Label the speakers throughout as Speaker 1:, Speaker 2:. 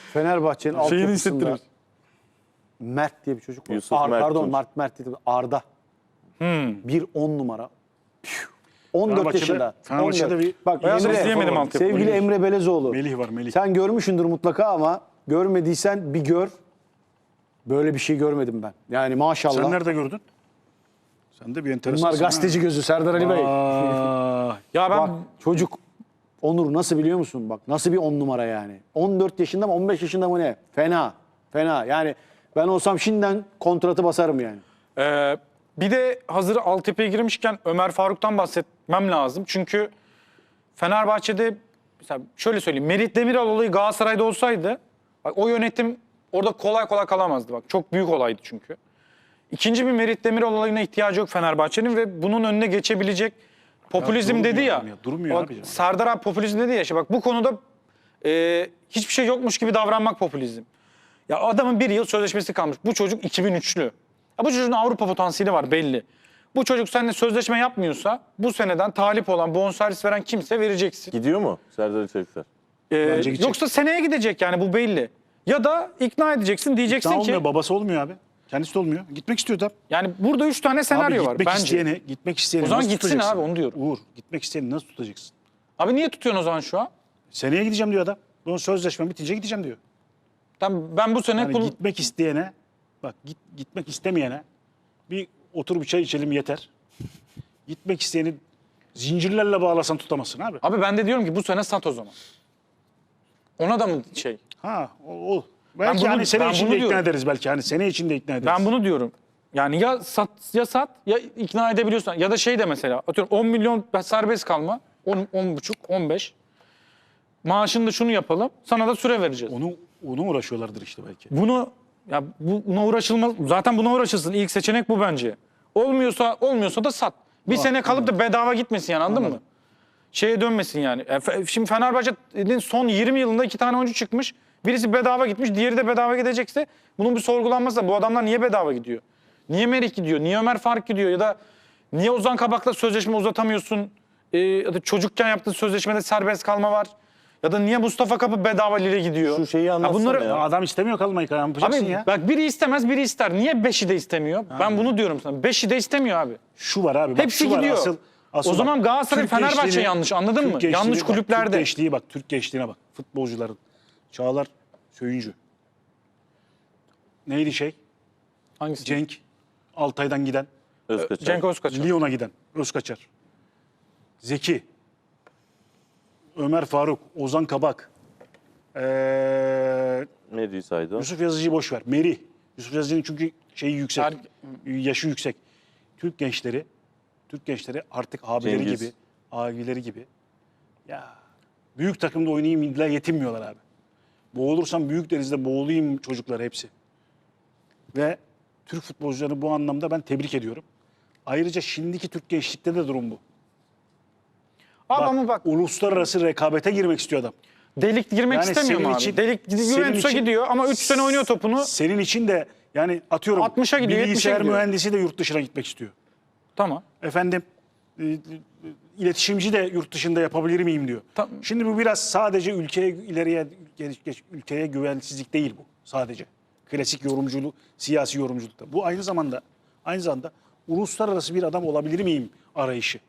Speaker 1: Fenerbahçe'nin
Speaker 2: Şeyini
Speaker 1: altyapısında
Speaker 2: hissettirir.
Speaker 1: Mert diye bir çocuk var.
Speaker 3: Yusuf Mert
Speaker 1: Pardon
Speaker 3: Tunç.
Speaker 1: Mert değil. Arda. Bir 10 numara. 14
Speaker 4: Fenerbahçe'de-
Speaker 1: yaşında.
Speaker 4: Fenerbahçe'de
Speaker 1: 14.
Speaker 4: bir
Speaker 1: Bak
Speaker 2: Beyaz
Speaker 1: Emre,
Speaker 2: izleyemedim altyapı.
Speaker 1: sevgili
Speaker 4: Melih.
Speaker 1: Emre Belezoğlu.
Speaker 4: Melih var, Melih.
Speaker 1: Sen görmüşsündür mutlaka ama görmediysen bir gör. Böyle bir şey görmedim ben. Yani maşallah.
Speaker 4: Sen nerede gördün? Sen de bir enteresan.
Speaker 1: Bunlar gazeteci gözü Serdar Ali Bey.
Speaker 2: Ya ben
Speaker 1: Bak çocuk Onur nasıl biliyor musun? Bak nasıl bir 10 numara yani. 14 yaşında mı 15 yaşında mı ne? Fena. Fena. Yani ben olsam şimdiden kontratı basarım yani.
Speaker 2: bir de hazır altyapıya girmişken Ömer Faruk'tan bahsetmem lazım. Çünkü Fenerbahçe'de mesela şöyle söyleyeyim. Merih Demiral olayı Galatasaray'da olsaydı bak, o yönetim orada kolay kolay kalamazdı. Bak çok büyük olaydı çünkü. İkinci bir Merih Demiral olayına ihtiyacı yok Fenerbahçe'nin ve bunun önüne geçebilecek popülizm
Speaker 4: durmuyor
Speaker 2: dedi ya.
Speaker 4: adam ya, durmuyor
Speaker 2: Bak,
Speaker 4: abi ya.
Speaker 2: Serdar abi popülizm dedi ya. İşte bak bu konuda hiçbir şey yokmuş gibi davranmak popülizm. Ya adamın bir yıl sözleşmesi kalmış. Bu çocuk 2003'lü. Ya bu çocuğun Avrupa potansiyeli var belli. Bu çocuk seninle sözleşme yapmıyorsa bu seneden talip olan, bonservis veren kimse vereceksin.
Speaker 3: Gidiyor mu Serdar İçerikler?
Speaker 4: Bence gidecek.
Speaker 2: Yoksa seneye gidecek yani bu belli. Ya da ikna edeceksin diyeceksin
Speaker 4: Sen
Speaker 2: ki
Speaker 4: olmuyor, babası olmuyor abi. Kendisi de olmuyor. Gitmek istiyor da.
Speaker 2: yani burada 3 tane senaryo
Speaker 4: Abi
Speaker 2: var
Speaker 4: gitmek
Speaker 2: bence.
Speaker 4: gitmek isteyeni
Speaker 2: O zaman
Speaker 4: nasıl
Speaker 2: gitsin
Speaker 4: tutacaksın?
Speaker 2: abi, onu diyorum.
Speaker 4: Uğur, gitmek isteyeni nasıl tutacaksın?
Speaker 2: Abi niye tutuyorsun o zaman şu an?
Speaker 4: Seneye gideceğim diyor adam. Bunun sözleşme bitince gideceğim diyor.
Speaker 2: Ben bu sene
Speaker 4: Yani gitmek isteyene, bak gitmek istemeyene bir otur bir çay içelim yeter. Gitmek isteyeni zincirlerle bağlasan tutamazsın abi.
Speaker 2: Abi ben de diyorum ki bu sene sat o zaman. Ona da mı şey?
Speaker 4: Ha, o. Belki
Speaker 2: bunu-
Speaker 4: hani sene
Speaker 2: ben
Speaker 4: içinde
Speaker 2: bunu
Speaker 4: ikna
Speaker 2: diyorum.
Speaker 4: ederiz belki. Hani sene içinde ikna ederiz.
Speaker 2: Ben bunu diyorum. Yani ya sat ya ikna edebiliyorsan ya da şey de mesela atıyorum 10 milyon serbest kalma 10,5 15 maaşında şunu yapalım sana da süre vereceğiz.
Speaker 4: Onu uğraşıyorlardır işte belki.
Speaker 2: Buna uğraşılmaz. Zaten buna uğraşılsın. İlk seçenek bu bence. Olmuyorsa da sat. Bir sene kalıp da bedava gitmesin yani anladın mı? Şeye dönmesin yani. Şimdi Fenerbahçe'nin son 20 yılında 2 tane oyuncu çıkmış. Birisi bedava gitmiş, diğeri de bedava gidecekse bunun bir sorgulanması da bu adamlar niye bedava gidiyor? Niye Merih gidiyor? Niye Ömer Faruk gidiyor? Ya da niye Ozan Kabak'la sözleşme uzatamıyorsun? Ya da çocukken yaptığın sözleşmede serbest kalma var. Ya da niye Mustafa Kapı bedava Lille gidiyor?
Speaker 3: Şu şeyi anlatsana
Speaker 2: bunları,
Speaker 3: ya.
Speaker 4: Adam istemiyor kalmayı. Ne yapacaksın
Speaker 2: Abi
Speaker 4: ya?
Speaker 2: bak biri istemez biri ister. Niye beşi de istemiyor? Ben bunu diyorum sana. Beşi de istemiyor abi.
Speaker 4: Şu var abi. Bak,
Speaker 2: Hepsi
Speaker 4: şu var.
Speaker 2: gidiyor.
Speaker 4: Asıl
Speaker 2: O zaman
Speaker 4: bak,
Speaker 2: Galatasaray,
Speaker 4: Türk
Speaker 2: Fenerbahçe
Speaker 4: gençliğini-
Speaker 2: yanlış, anladın
Speaker 4: Türk
Speaker 2: mı?
Speaker 4: gençliğini
Speaker 2: Yanlış
Speaker 4: bak,
Speaker 2: kulüplerde.
Speaker 4: Türk gençliği bak. Türk gençliğine bak. Futbolcuların. Çağlar Söyüncü. Neydi şey?
Speaker 2: Hangisi?
Speaker 4: Cenk. Altay'dan giden.
Speaker 3: Özkaçar.
Speaker 2: Cenk Özkaçar.
Speaker 4: Lyon'a giden. Özkaçar. Zeki. Ömer Faruk. Ozan Kabak.
Speaker 3: Ne diyor saydı o?
Speaker 4: Yusuf Yazıcı'yı boş ver. Merih. Yusuf Yazıcı'nın çünkü şeyi yüksek. Yaşı yüksek. Türk gençleri artık abileri
Speaker 3: Cengiz.
Speaker 4: gibi, abileri gibi. Ya büyük takımda oynayayım illa yetinmiyorlar abi. Boğulursam büyük denizde boğulayım çocuklar hepsi. Ve Türk futbolcularını bu anlamda ben tebrik ediyorum. Ayrıca şimdiki Türk gençlikte de durum bu.
Speaker 2: Abi ama bak
Speaker 4: Uluslararası rekabete girmek istiyor adam.
Speaker 2: delik girmek
Speaker 4: Yani
Speaker 2: istemiyor mu
Speaker 4: senin
Speaker 2: abi?
Speaker 4: için-
Speaker 2: Delik
Speaker 4: senin
Speaker 2: Juventus'a
Speaker 4: için-
Speaker 2: gidiyor ama 3 sene oynuyor topunu.
Speaker 4: Senin için de yani atıyorum
Speaker 2: 60'a gidiyor, 70'e
Speaker 4: bilgisayar
Speaker 2: gidiyor.
Speaker 4: mühendisi de yurt dışına gitmek istiyor.
Speaker 2: Tamam.
Speaker 4: Efendim iletişimci de yurt dışında yapabilir miyim diyor.
Speaker 2: Tamam.
Speaker 4: Şimdi bu biraz sadece ülkeye güvensizlik değil bu sadece. Klasik yorumculuk, siyasi yorumculukta. Bu aynı zamanda uluslararası bir adam olabilir miyim arayışı.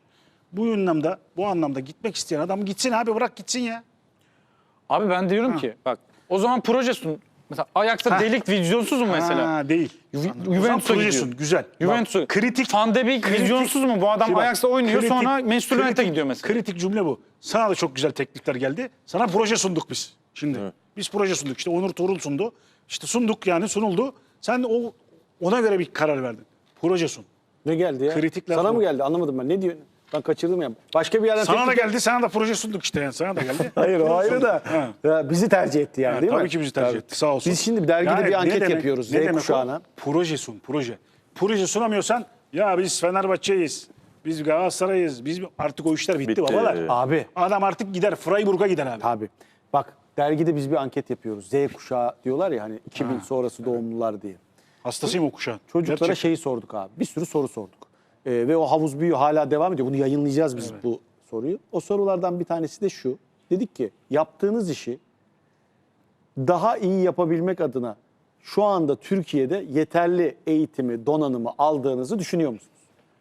Speaker 4: Bu anlamda gitmek isteyen adam gitsin abi, bırak gitsin ya.
Speaker 2: Abi ben diyorum ki bak o zaman proje sun. Mesela Ajax'ta delik vizyonsuz mu mesela?
Speaker 4: Ha, değil.
Speaker 2: Juventus'a
Speaker 4: projesun,
Speaker 2: gidiyor.
Speaker 4: güzel.
Speaker 2: Juventus'a.
Speaker 4: Bak, kritik.
Speaker 2: Van de Beek vizyonsuz mu? Bu adam
Speaker 4: Şimdi bak,
Speaker 2: Ajax'ta oynuyor sonra Manchester United'a gidiyor mesela.
Speaker 4: Kritik cümle bu. Sana da çok güzel teklifler geldi. Sana proje sunduk biz şimdi.
Speaker 3: Evet.
Speaker 4: Biz proje sunduk. İşte Onur Tuğrul sundu. İşte sunduk yani sunuldu. Sen ona göre bir karar verdin. Proje sun.
Speaker 1: Ne geldi ya?
Speaker 4: Kritikler
Speaker 1: Sana
Speaker 4: bu.
Speaker 1: mı geldi? Anlamadım ben. Ne diyor? Ben kaçırdım ya. Başka bir yerden
Speaker 4: Sana da
Speaker 1: teklif-
Speaker 4: geldi, sana da proje sunduk işte yani. Sana da geldi.
Speaker 1: Hayır o
Speaker 4: Proje
Speaker 1: ayrı
Speaker 4: sunduk.
Speaker 1: da.
Speaker 4: Ha.
Speaker 1: Ya, bizi tercih etti yani
Speaker 4: Ha,
Speaker 1: değil mi?
Speaker 4: tabii ki bizi tercih etti. Sağ olsun.
Speaker 1: Biz şimdi dergide
Speaker 4: Yani
Speaker 1: bir
Speaker 4: ne
Speaker 1: anket
Speaker 4: demek-
Speaker 1: yapıyoruz
Speaker 4: ne
Speaker 1: Z
Speaker 4: demek o?
Speaker 1: kuşağına.
Speaker 4: Proje sun, proje. Proje sunamıyorsan ya biz Fenerbahçe'yiz. Biz Galatasaray'ız. Biz artık o işler bitti,
Speaker 3: Bitti.
Speaker 4: babalar.
Speaker 1: Abi.
Speaker 4: Adam artık gider Freiburg'a gider abi.
Speaker 1: Abi bak dergide biz bir anket yapıyoruz. Z kuşağı diyorlar ya hani 2000 sonrası doğumlular diye.
Speaker 4: Hastasıyım o kuşağın.
Speaker 1: Çocuklara
Speaker 4: Gerçekten.
Speaker 1: şeyi sorduk abi. Bir sürü soru sorduk. Ve o havuz büyüyor hala devam ediyor. Bunu yayınlayacağız biz bu soruyu. O sorulardan bir tanesi de şu. Dedik ki yaptığınız işi daha iyi yapabilmek adına şu anda Türkiye'de yeterli eğitimi, donanımı aldığınızı düşünüyor musunuz?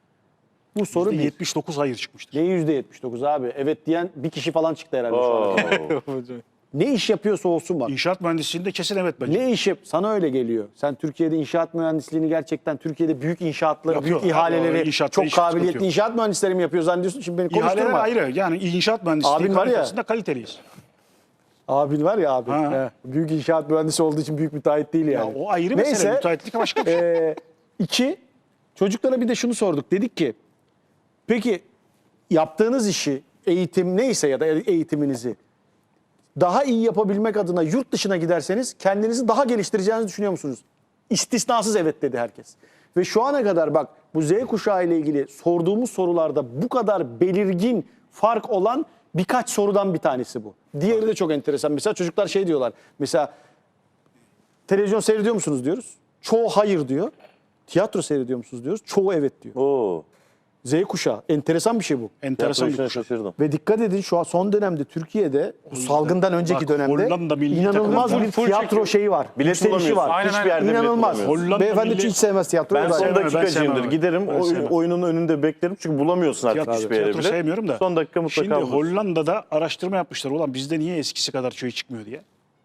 Speaker 1: Bu soru bir.
Speaker 4: %79 hayır çıkmıştır.
Speaker 1: Ne %79 abi? Evet diyen bir kişi falan çıktı herhalde şu an.
Speaker 3: Oo.
Speaker 1: Ne iş yapıyorsa olsun bak.
Speaker 4: İnşaat mühendisliğinde kesin evet bence.
Speaker 1: Ne iş yap? Sana öyle geliyor. Sen Türkiye'de inşaat mühendisliğini gerçekten Türkiye'de büyük inşaatları,
Speaker 4: Yapıyor.
Speaker 1: büyük ihaleleri,
Speaker 4: İnşaatta
Speaker 1: çok
Speaker 4: hiç sıkıntı
Speaker 1: kabiliyetli
Speaker 4: yok.
Speaker 1: inşaat mühendisleri mi yapıyor zannediyorsun? Şimdi beni
Speaker 4: İhaleler
Speaker 1: konuşturma.
Speaker 4: ayrı. Yani inşaat mühendisliği
Speaker 1: Abin var ya.
Speaker 4: kalitesinde kaliteliyiz.
Speaker 1: Abin var ya abi.
Speaker 4: Ha.
Speaker 1: He, büyük inşaat mühendisi olduğu için büyük müteahhit değil yani.
Speaker 4: Ya o ayrı mesele. Müteahhitlik başka bir şey.
Speaker 1: 2, çocuklara bir de şunu sorduk. Dedik ki, peki yaptığınız işi, eğitim neyse ya da eğitiminizi daha iyi yapabilmek adına yurt dışına giderseniz kendinizi daha geliştireceğinizi düşünüyor musunuz? İstisnasız evet dedi herkes. Ve şu ana kadar bak bu Z kuşağı ile ilgili sorduğumuz sorularda bu kadar belirgin fark olan birkaç sorudan bir tanesi bu. Diğeri de çok enteresan. Mesela çocuklar şey diyorlar. Mesela televizyon seyrediyor musunuz diyoruz. Çoğu hayır diyor. Tiyatro seyrediyor musunuz diyoruz. Çoğu evet diyor.
Speaker 3: Oo.
Speaker 1: Z kuşağı. Enteresan bir şey bu.
Speaker 4: Enteresan bir
Speaker 3: Yapma
Speaker 4: kuşak.
Speaker 3: işine şaşırdım.
Speaker 1: Ve dikkat edin şu an son dönemde Türkiye'de o salgından önceki
Speaker 4: bak,
Speaker 1: dönemde
Speaker 4: Hollanda milli
Speaker 1: inanılmaz
Speaker 4: takımı
Speaker 1: bir
Speaker 2: full
Speaker 1: tiyatro
Speaker 2: çekiyor.
Speaker 1: şeyi var.
Speaker 3: Bilet
Speaker 1: Yükselişi
Speaker 3: bulamıyorsun.
Speaker 1: var.
Speaker 2: Aynen,
Speaker 3: Hiçbir yerde bilet
Speaker 1: İnanılmaz.
Speaker 3: bulamıyorsun.
Speaker 4: Hollanda
Speaker 1: Beyefendi
Speaker 4: milli-
Speaker 1: hiç sevmez tiyatroyu.
Speaker 3: Ben
Speaker 1: da
Speaker 3: son
Speaker 1: yani.
Speaker 4: Ben
Speaker 3: dakikacıyımdır.
Speaker 4: sevmem.
Speaker 3: Giderim
Speaker 4: Ben sevmem.
Speaker 3: oyunun önünde beklerim. Çünkü bulamıyorsun artık
Speaker 4: Tiyatro-
Speaker 3: hiçbir yere
Speaker 4: tiyatro
Speaker 3: bile.
Speaker 4: sevmiyorum da.
Speaker 3: Son dakika mutlaka
Speaker 4: Şimdi
Speaker 3: bulursun.
Speaker 4: Hollanda'da araştırma yapmışlar. Ulan bizde niye eskisi kadar şey çıkmıyor diye.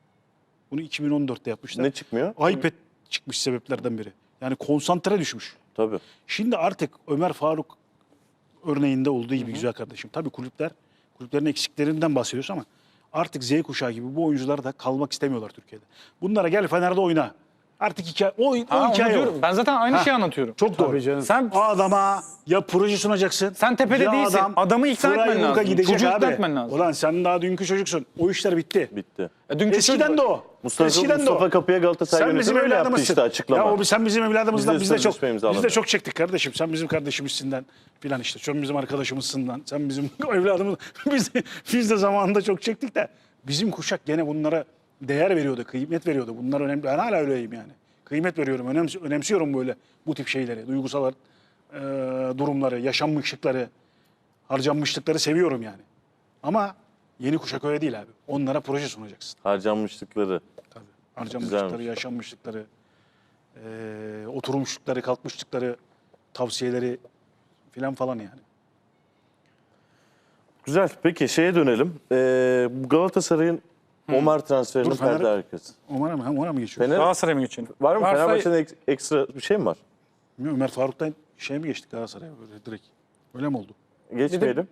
Speaker 4: Bunu 2014'te yapmışlar.
Speaker 3: Ne çıkmıyor?
Speaker 4: iPad çıkmış sebeplerden biri. Yani konsantre düşmüş.
Speaker 3: Tabii.
Speaker 4: Şimdi artık Ömer Faruk örneğinde olduğu gibi güzel kardeşim. Tabii kulüplerin eksiklerinden bahsediyoruz ama artık Z kuşağı gibi bu oyuncular da kalmak istemiyorlar Türkiye'de. Bunlara gel Fener'de oyna. Artık o
Speaker 2: Ha, onu
Speaker 4: hikaye
Speaker 2: diyorum.
Speaker 4: o.
Speaker 2: Ben zaten aynı
Speaker 4: Ha.
Speaker 2: şeyi anlatıyorum.
Speaker 4: Çok doğru.
Speaker 1: Tabii canım.
Speaker 2: Sen
Speaker 4: O adama ya proje sunacaksın.
Speaker 2: Sen tepede
Speaker 4: ya
Speaker 2: değilsin. Adamı ikna etmen
Speaker 4: Freiburg'a
Speaker 2: lazım.
Speaker 4: gidecek
Speaker 2: Çocuğu ikna
Speaker 4: abi.
Speaker 2: etmen lazım.
Speaker 4: Ulan sen daha dünkü çocuksun. O işler bitti.
Speaker 3: Bitti.
Speaker 2: Dünkü
Speaker 4: Eskiden
Speaker 2: çocuk-
Speaker 4: de o.
Speaker 3: Mustafa Kapı'ya Galatasaray
Speaker 4: Sen
Speaker 3: yönetimi
Speaker 4: bizim
Speaker 3: öyle yaptı
Speaker 4: evladımızsın.
Speaker 3: işte açıklama.
Speaker 4: Ya sen bizim evladımızdan
Speaker 3: Biz de sözleşme
Speaker 4: biz de
Speaker 3: imzaladık.
Speaker 4: çok çektik kardeşim. Sen bizim kardeşimizsinden filan işte. Sen bizim arkadaşımızsından. Sen bizim evladımız. Biz de zamanında çok çektik de bizim kuşak gene bunlara değer veriyordu, kıymet veriyordu. Bunlar önemli. Ben hala öyleyim yani. Kıymet veriyorum, önemsiyorum böyle bu tip şeyleri, duygusal durumları, yaşanmışlıkları, harcanmışlıkları seviyorum yani. Ama yeni kuşak öyle değil abi. Onlara proje sunacaksın.
Speaker 3: Harcanmışlıkları.
Speaker 4: Tabii. Harcanmışlıkları,
Speaker 3: Güzelmiş.
Speaker 4: yaşanmışlıkları, oturmuşlukları, kalkmışlıkları, tavsiyeleri filan falan yani.
Speaker 3: Güzel. Peki şeye dönelim. Bu Galatasaray'ın Omar transferinin
Speaker 4: Dur, Fener-
Speaker 3: perde arkası.
Speaker 4: Ona mı geçiyor?
Speaker 3: Fener
Speaker 2: Galatasaray'a mı geçelim?
Speaker 3: var mı?
Speaker 2: Varsa-
Speaker 3: Fenerbahçe'de ekstra bir şey mi var?
Speaker 4: Bilmiyorum, Ömer Faruk'tan şey mi geçtik Galatasaray'a böyle direkt? Öyle mi oldu?
Speaker 3: Geçmeyelim.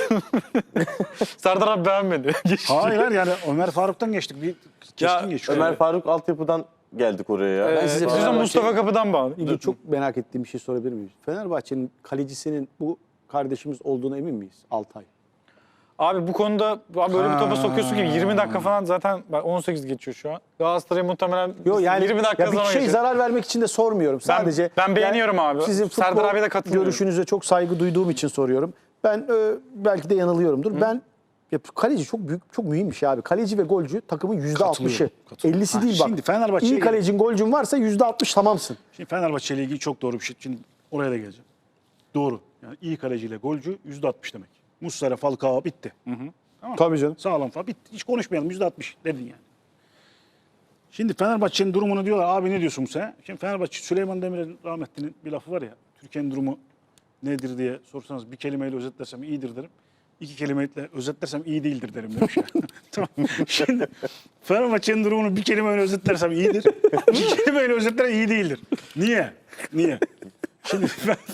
Speaker 2: Serdar abi beğenmedi.
Speaker 4: Hayır yani Ömer Faruk'tan geçtik. Bir keskin geçiyor.
Speaker 3: Ömer Faruk altyapıdan geldik oraya ya.
Speaker 1: Ben size
Speaker 2: Biz de
Speaker 1: Fenerbahçe-
Speaker 2: Mustafa Kapı'dan bağlı.
Speaker 1: İlgili çok merak ettiğim bir şey sorabilir miyim? Fenerbahçe'nin kalecisinin bu kardeşimiz olduğuna emin miyiz? Altay.
Speaker 2: Abi bu konuda böyle bir topa sokuyorsun ki 20 dakika falan zaten 18 geçiyor şu an. Galatasaray muhtemelen
Speaker 1: Yok yani
Speaker 2: 20 dakika
Speaker 1: ya bir
Speaker 2: sonra
Speaker 1: şey
Speaker 2: geçiyor.
Speaker 1: zarar vermek için de sormuyorum. Sadece
Speaker 2: ben beğeniyorum abi.
Speaker 1: Sizin
Speaker 2: Serdar
Speaker 1: futbol
Speaker 2: abiye de katılıyorum.
Speaker 1: görüşünüze çok saygı duyduğum için soruyorum. Ben belki de yanılıyorumdur. Ben ya, kaleci çok büyük, çok mühim bir şey abi. Kaleci ve golcü takımın %60'ı.
Speaker 4: Katılıyorum.
Speaker 1: 50'si değil bak.
Speaker 4: Şimdi Fenerbahçe'ye
Speaker 1: İyi kalecin, golcün varsa %60 tamamsın.
Speaker 4: Şimdi Fenerbahçe ile ilgili çok doğru bir şey. Şimdi oraya da geleceğim. Doğru. Yani iyi kaleciyle golcü %60 demek. Muslera, Falcao bitti. Tamam.
Speaker 1: Tabii canım.
Speaker 4: Sağlam falan bitti. Hiç konuşmayalım %60 dedin yani. Şimdi Fenerbahçe'nin durumunu diyorlar. Abi ne diyorsun sen? Şimdi Fenerbahçe, Süleyman Demirel'in rahmetlinin bir lafı var ya. Türkiye'nin durumu nedir diye sorsanız bir kelimeyle özetlersem iyidir derim. 2 kelimeyle özetlersem iyi değildir derim demiş yani. Tamam. Şimdi Fenerbahçe'nin durumunu bir kelimeyle özetlersem iyidir. 2 kelimeyle özetlersem iyi değildir. Niye? Şimdi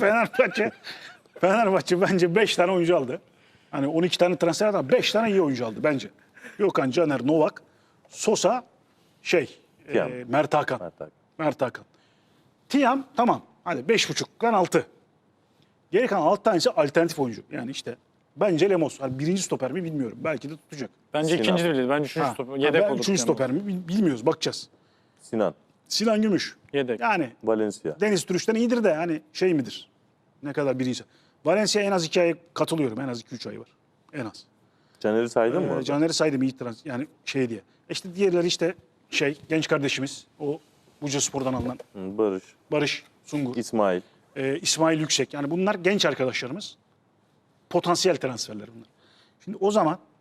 Speaker 4: Fenerbahçe bence 5 tane oyuncu aldı. Hani 12 tane transfer aldı ama 5 tane iyi oyuncu aldı bence. Gökhan, Caner, Novak, Sosa,
Speaker 3: Tiam.
Speaker 4: Mert Hakan.
Speaker 3: Mert Hakan.
Speaker 4: Mert Hakan. Tiam tamam. Hadi 5,5'dan 6. Geri kalan 6 tanesi alternatif oyuncu. Yani işte bence Lemos. Hani birinci stoper mi bilmiyorum. Belki de tutacak.
Speaker 2: Bence
Speaker 3: Sinan.
Speaker 2: ikinci de değil. Bence üçüncü
Speaker 4: Ha,
Speaker 2: stoper. Yedek
Speaker 4: ben
Speaker 2: olur.
Speaker 4: üçüncü stoper mi bilmiyoruz. Bakacağız.
Speaker 3: Sinan.
Speaker 4: Sinan Gümüş.
Speaker 2: Yedek.
Speaker 4: Yani
Speaker 3: Valencia.
Speaker 4: Deniz Türüş'ten iyidir de hani şey midir? Ne kadar birinci. Valencia en az 2 ay katılıyorum. En az 2-3 ay var. En az.
Speaker 3: Caner'i saydın mı? orada?
Speaker 4: Caner'i saydım iyi yani şey diye. İşte diğerleri işte genç kardeşimiz. O Bucaspor'dan alınan
Speaker 3: Hı, Barış.
Speaker 4: Barış Sungur.
Speaker 3: İsmail.
Speaker 4: İsmail Yüksek. Yani bunlar genç arkadaşlarımız. Potansiyel transferler bunlar. Şimdi o zaman